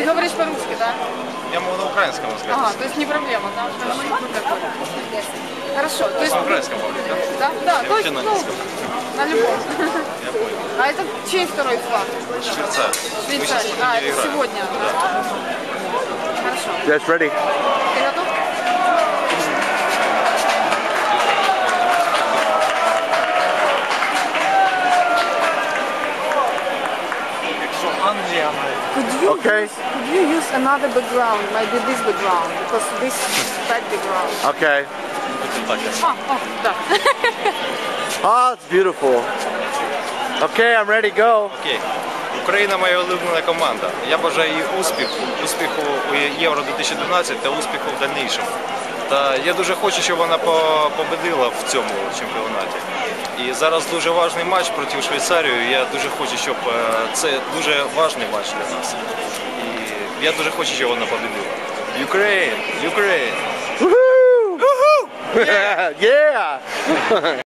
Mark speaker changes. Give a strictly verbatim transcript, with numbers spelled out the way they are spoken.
Speaker 1: Ты говоришь по-русски, да?
Speaker 2: Я могу на украинском сказать.
Speaker 1: Ага, то есть не проблема, да? Хорошо. То есть...
Speaker 2: На украинском говорить, да?
Speaker 1: Да, да,
Speaker 2: Я
Speaker 1: то есть,
Speaker 2: вообще на
Speaker 1: ну,
Speaker 2: английском.
Speaker 1: на любом.
Speaker 2: Я понял.
Speaker 1: А это чей второй флаг?
Speaker 2: Швейцария.
Speaker 1: Швейцария. А, это сегодня, да? Хорошо.
Speaker 3: Yes, ready.
Speaker 1: Ты готов?
Speaker 2: Англия.
Speaker 1: Could you,
Speaker 3: Okay.
Speaker 1: use, could you use another background, maybe this background, because this is bad background.
Speaker 3: Okay.
Speaker 1: А, о, да.
Speaker 3: Oh, it's beautiful. Okay, I'm ready. Go.
Speaker 2: Окей. Україна моя улюблена команда. Я бажаю їй успіху, успіху у Євро дві тисячі дванадцять та успіху в дальнішому. Та я дуже хочу, щоб вона по- победила в цьому чемпіонаті. І зараз дуже важливий матч проти Швейцарії. Я дуже хочу, щоб е, це дуже важливий матч для нас. І я дуже хочу, щоб вона победила. Ukraine! Ukraine!
Speaker 3: Woohoo! Yeah. Yeah.